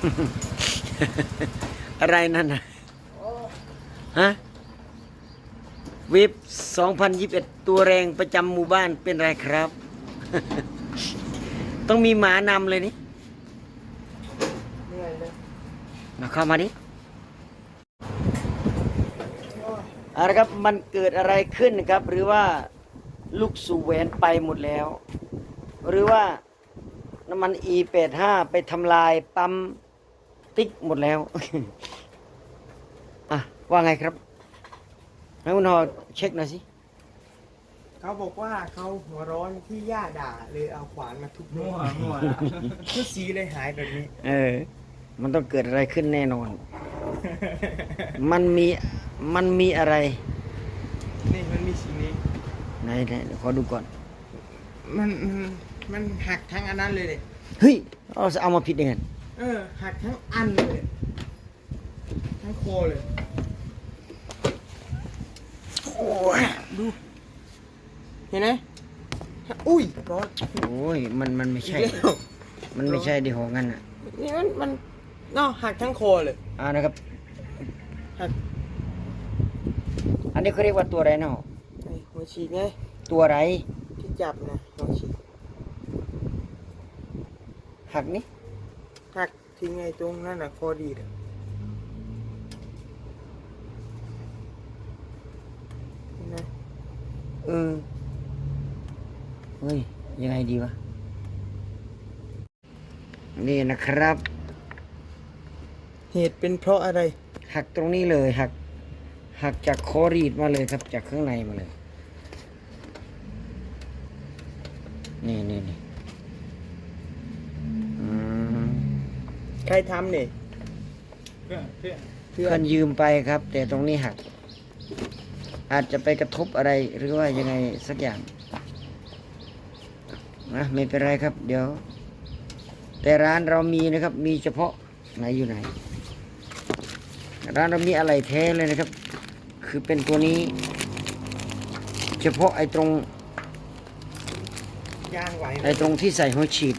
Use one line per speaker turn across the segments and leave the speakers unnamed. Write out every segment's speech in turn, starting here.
อะไรนั่นนะฮะวิบ2021ตัวแรงประจำหมู่บ้านเป็นไรครับ ต้องมีหมานำเลยนี่มาเข้ามาดิอะไรครับมันเกิดอะไรขึ้นครับ หรือว่าลูกสู่แหวนไปหมดแล้ว หรือว่าน้ำมัน E85 ไปทำลายปั๊มติ๊กหมดแล้ว อ่ะว่าไงครับให้คุณหอเช็คหน่อยสิ
เขาบอกว่าเขาหัวร้อนที่ย่าด่าเลยเอาขวานมาทุบ
มั่วมั่ว
ชุดสีเลยหายแบบนี้
มันต้องเกิดอะไรขึ้นแน่นอน มันมีอะไร
นี่มันมีสีนี้
ไหนเดี๋ยวขอดูก่อน
มันหักทั้งอันนั้นเลยเลย
เฮ้ยเอามาผิดยังไง
หักทั้งอันเลยทั้งโคเลย
โอ้ย
ดูเห็นไหมอุ้ยร้อน
โอ้ยมันไม่ใช่
อีกแล้ว
มันไม่ใช่ดิหองั้นอ่ะ
นี่มันเนาะหักทั้งโคเลย
นะครับ
หัก
อันนี้เขาเรียกว่าตัวอะไรเนาะ
ไอ้หัวฉีกไง
ตัวอะไร
ที่จับนะหัวฉีก
หักนี่
หักทิ้งไงตรงนั่นน่ะคอดีดอะเห็นไหม
เฮ้ยยังไงดีวะนี่นะครับ
เหตุเป็นเพราะอะไร
หักตรงนี้เลยหักจากคอรีดมาเลยครับจากข้างในมาเลยนี่อืม
ใครทำเนี่ย
เพื่อน
เพื่อนยืมไปครับ แต่ตรงนี้หัก อาจจะไปกระทบอะไรหรือว่ายังไงสักอย่างนะไม่เป็นไรครับ เดี๋ยว แต่ร้านเรามีนะครับ มีเฉพาะไหนอยู่ไหน ร้านเรามีอะไรแท้เลยนะครับ คือเป็นตัวนี้ เฉพาะไอ้ตรง
ยางไหวไหม
ไอ้ตรงที่ใส่หัวฉีด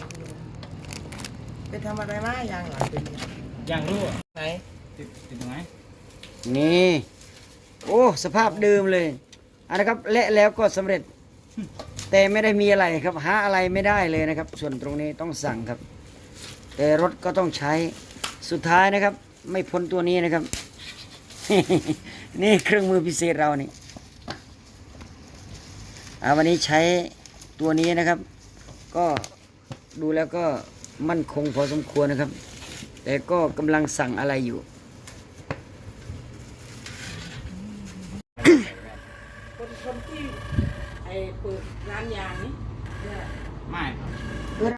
ไปทำอะไรมายางหลังเป็นไง
อย่างรั่ว
ไหน
ติดตรงไหน
นี่ โอ้สภาพเดิมเลยอันนะครับและแล้วก็สำเร็จ แต่ไม่ได้มีอะไรครับหาอะไรไม่ได้เลยนะครับ ส่วนตรงนี้ต้องสั่งครับ แต่รถก็ต้องใช้สุดท้ายนะครับ ไม่พ้นตัวนี้นะครับ นี่เครื่องมือพิเศษเรานี่วันนี้ใช้ตัวนี้นะครับ ก็ดูแล้วก็มั่นคงพอสมควรนะครับ แต่ก็กำลังสั่งอะไรอยู่
คนที่ไอ้เปิดร้านยางนี่
ไม่